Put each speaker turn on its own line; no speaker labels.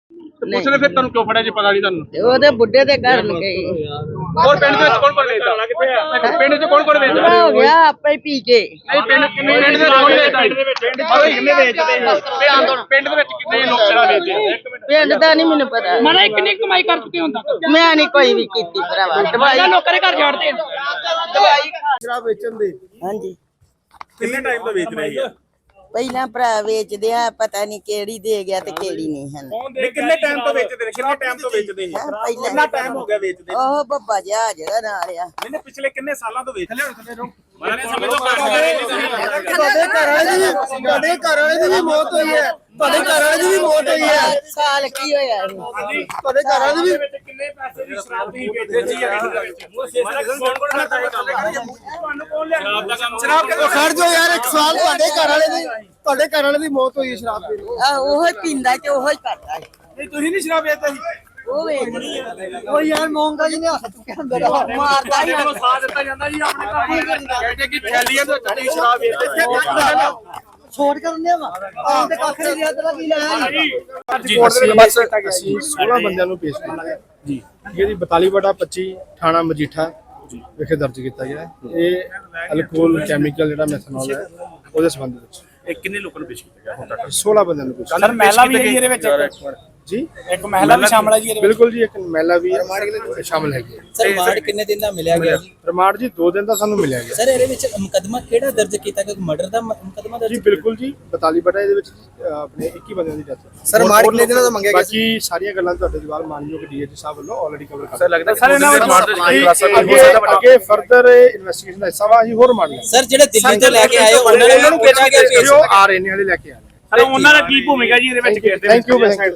Police ਨੇ ਫਿਰ ਤੁਹਾਨੂੰ ਕਿਉਂ ਫੜਿਆ ਜੀ? ਪਤਾ ਨਹੀਂ ਤੁਹਾਨੂੰ?
ਉਹਦੇ ਬੁੱਢੇ ਦੇ ਘਰ ਨੂੰ ਗਈ
ਹੋਰ ਪਿੰਡ ਦੇ ਵਿੱਚ ਕੌਣ ਕੌਣ ਵੇਚਦਾ? ਪਿੰਡ 'ਚ ਕੌਣ ਕੌਣ ਵੇਚਦਾ?
ਹੋ ਗਿਆ ਆਪੇ ਹੀ ਪੀ ਕੇ।
ਨਹੀਂ ਪਿੰਡ ਦੇ ਵਿੱਚ ਕੌਣ ਵੇਚਦਾ? ਕਿੰਨੇ ਵੇਚਦੇ? ਪਿੰਡ ਦੇ ਵਿੱਚ ਕਿੰਨੇ ਲੋਕ ਸ਼ਰਾਬ ਵੇਚਦੇ ਆ?
ਪਿੰਡ ਦਾ ਨਹੀਂ ਮੈਨੂੰ ਪਤਾ।
ਮਾਰਾ ਕਿੰਨੀ ਕਮਾਈ ਕਰ ਚੁੱਕੇ ਹੁੰਦਾ?
ਮੈਂ ਨਹੀਂ ਕੋਈ ਵੀ ਕੀਤੀ ਭਰਾਵਾ। ਦਵਾਈ
ਲੋਕਾਂ ਦੇ ਘਰ ਜਾੜਦੇ
ਦਵਾਈ
ਸ਼ਰਾਬ ਵੇਚਣ ਦੇ
ਹਾਂਜੀ
ਕਿੰਨੇ ਟਾਈਮ ਤੋਂ ਵੇਚ ਰਹੇ ਆ?
ਪਹਿਲਾਂ ਭਰਾ ਵੇਚਦੇ ਆ, ਪਤਾ ਨਹੀਂ ਕਿਹੜੀ ਦੇ ਗਿਆ ਤੇ ਕਿਹੜੀ ਨਹੀਂ ਹਨ।
ਕਿੰਨੇ ਟਾਈਮ ਤੋਂ ਵੇਚਦੇ ਨੇ? ਕਿੰਨੇ ਟਾਈਮ ਤੋਂ ਵੇਚਦੇ ਆ? ਕਿੰਨਾ ਟਾਈਮ ਹੋ ਗਿਆ ਵੇਚਦੇ?
ਉਹ ਬੱਬਾ ਜਿਹਾ ਜਿਹੜਾ ਨਾਲ ਆ।
ਇਹਨੇ ਪਿਛਲੇ ਕਿੰਨੇ ਸਾਲਾਂ ਤੋਂ ਵੇਚ ਲਿਆ?
ਤੁਹਾਡੇ ਘਰ ਵਾਲੇ ਦੀ ਵੀ ਮੌਤ ਹੋਈ ਹੈ। ਤੁਹਾਡੇ ਘਰ ਵਾਲੇ ਦੀ ਵੀ ਮੌਤ ਹੋਈ ਹੈ।
ਸਾਲ ਕੀ ਹੋਇਆ ਇਹ?
ਤੁਹਾਡੇ ਘਰ ਵਾਲੇ ਦੀ ਵੀ
ਕਿੰਨੇ ਪੈਸੇ ਦੀ ਸ਼ਰਾਬ ਤੁਸੀਂ ਵੇਚਦੇ ਸੀ? ਤੁਹਾਨੂੰ ਕੌਣ ਲਿਆ ਸ਼ਰਾਬ?
ਖੜ ਜਾਓ ਯਾਰ, ਇੱਕ ਸਵਾਲ, ਤੁਹਾਡੇ ਘਰ ਵਾਲੇ ਦੀ ਮੌਤ ਹੋਈ ਹੈ ਸ਼ਰਾਬ ਪੀ ਕੇ।
ਉਹ ਹੀ ਪੀਂਦਾ ਤੇ ਉਹ ਹੀ ਕਰਦਾ ਹੈ।
ਨਹੀਂ ਤੁਸੀਂ ਨਹੀਂ ਸ਼ਰਾਬ ਵੇਚਦੇ ਸੀ?
ਉਹ ਵੇਚਦੀ ਆ।
ਉਹ ਯਾਰ ਮੌਂਗਾ ਜੀ ਨੇ ਹੱਥ ਚੁੱਕਿਆ ਅੰਦਰ
ਮਾਰਦਾ ਹੀ
ਤੁਹਾਨੂੰ ਸਾਥ ਦਿੱਤਾ ਜਾਂਦਾ ਜੀ ਆਪਣੇ ਘਰ ਦੇ। ਕਹਿੰਦੇ ਕਿ ਥੈਲੀਆਂ ਤੋਂ ਚੱਲੀ ਸ਼ਰਾਬ ਵੇਚਦੇ।
ਛੋੜ ਕਰ ਦਿੰਦੇ ਵਾ ਆਹ ਤੇ ਕੱਖ ਨਹੀਂ ਰਿਹਾ ਤੇਰਾ ਕੀ ਲੈਣਾ
ਅਸੀਂ 16 ਬੰਦਿਆਂ ਨੂੰ ਪੇਸ਼ ਕੀਤਾ ਜੀ। ਇਹਦੀ 42/25 ਥਾਣਾ ਮਜੀਠਾ ਵਿਖੇ ਦਰਜ ਕੀਤਾ ਗਿਆ। ਇਹ ਅਲਕੋਹਲ ਕੈਮੀਕਲ ਜਿਹੜਾ ਮੈਥਨੋਲ ਹੈ ਉਹਦੇ ਸੰਬੰਧ ਵਿੱਚ
ਇਹ ਕਿੰਨੇ ਲੋਕਾਂ ਨੂੰ ਪੇਸ਼ ਕੀਤਾ ਗਿਆ ਹੁਣ ਤੱਕ?
16 ਬੰਦਿਆਂ ਨੂੰ ਪੇਸ਼ ਕੀਤਾ
ਸਰ ਮਹਿਲਾ ਵੀ ਹੈ ਇਹਦੇ ਵਿੱਚ?
ਜੀ।
ਇੱਕ ਮਹਿਲਾ ਵੀ ਸ਼ਾਮਲ ਹੈ ਜੀ?
ਬਿਲਕੁਲ ਜੀ, ਇੱਕ ਮਹਿਲਾ ਵੀ ਸ਼ਾਮਲ ਹੈਗੀ ਹੈ।
ਸਰ ਰਿਮਾਂਡ ਕਿੰਨੇ ਦਿਨ ਦਾ ਮਿਲਿਆ ਗਿਆ ਜੀ?
ਰਿਮਾਂਡ ਜੀ 2 ਦਿਨ ਦਾ ਸਾਨੂੰ ਮਿਲਿਆ ਗਿਆ
ਸਰ ਇਹਦੇ ਵਿੱਚ ਮੁਕੱਦਮਾ ਕਿਹੜਾ ਦਰਜ ਕੀਤਾ ਗਿਆ? ਮਰਡਰ ਦਾ ਮੁਕੱਦਮਾ ਦਰਜ?
ਜੀ ਬਿਲਕੁਲ ਜੀ। 42 ਇਹਦੇ ਵਿੱਚ ਆਪਣੇ 21 ਬੰਦਿਆਂ ਦੀ ਡੈਥ।
ਸਰ ਰਿਮਾਂਡ ਕਿੰਨੇ ਦਿਨਾਂ ਦਾ ਮੰਗਿਆ ਗਿਆ?
ਬਾਕੀ ਸਾਰੀਆਂ ਗੱਲਾਂ ਤੁਹਾਡੇ ਜਵਾਬ ਮਾਨਯੋਗ ਡੀਏਜੀ ਸਾਹਿਬ ਵੱਲੋਂ ਆਲਰੇਡੀ ਕਵਰ ਕਰ
ਸਰ ਲੱਗਦਾ ਸਰ ਇਹਨਾਂ
ਅੱਗੇ ਫਰਦਰ ਇਨਵੈਸਟੀਗੇਸ਼ਨ ਦਾ ਹਿੱਸਾ ਵਾ ਅਸੀਂ ਹੋਰ ਮੰਨ ਲਿਆ।
ਸਰ ਜਿਹੜੇ ਦਿੱਲੀ ਤੋਂ ਲੈ ਕੇ ਆਏ ਉਹਨਾਂ ਨੂੰ ਕਿਹੜਾ ਗਿਆ
ਜੋ ਆ ਰਹੇ ਨੇ ਹਲੇ ਲੈ ਕੇ ਆ ਰਹੇ।
ਸਰ ਉਹਨਾਂ ਦਾ ਕੀ ਭੂਮਿਕਾ ਜੀ ਇਹਦੇ ਵਿੱਚ?
Thank you.